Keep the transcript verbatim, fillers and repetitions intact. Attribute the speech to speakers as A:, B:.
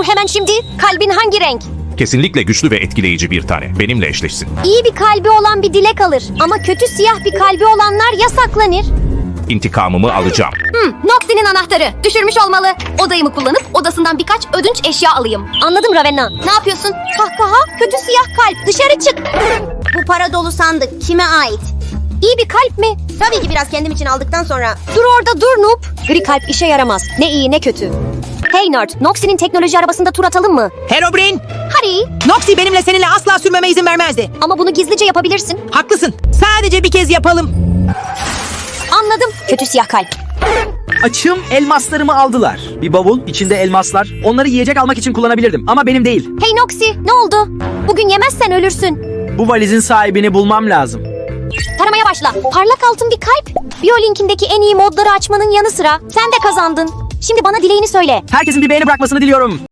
A: hemen şimdi. Kalbin hangi renk?
B: Kesinlikle güçlü ve etkileyici bir tane. Benimle eşleşsin.
A: İyi bir kalbi olan bir dilek alır. Ama kötü siyah bir kalbi olanlar yasaklanır.
B: İntikamımı alacağım.
C: Hmm, Noxie'nin anahtarı. Düşürmüş olmalı. Odayımı kullanıp odasından birkaç ödünç eşya alayım.
A: Anladım Ravenna.
C: Ne yapıyorsun?
A: Kahkaha, kötü siyah kalp. Dışarı çık.
D: Bu para dolu sandık kime ait?
A: İyi bir kalp mi?
D: Tabii ki biraz kendim için aldıktan sonra.
A: Dur orada dur Noob. Gri kalp işe yaramaz. Ne iyi ne kötü. Hey nerd, Noxie'nin teknoloji arabasında tur atalım mı?
E: Herobrine,
A: Hadi.
E: Noxie benimle seninle asla sürmeme izin vermezdi.
A: Ama bunu gizlice yapabilirsin.
E: Haklısın. Sadece bir kez yapalım.
A: Anladım. Kötü siyah kalp.
F: Açım, elmaslarımı aldılar. Bir bavul, içinde elmaslar. Onları yiyecek almak için kullanabilirdim ama benim değil.
A: Hey Noxie, ne oldu? Bugün yemezsen ölürsün.
F: Bu valizin sahibini bulmam lazım.
A: Taramaya başla. Parlak altın bir kalp. Biolink'indeki en iyi modları açmanın yanı sıra sen de kazandın. Şimdi bana dileğini söyle.
F: Herkesin bir beğeni bırakmasını diliyorum.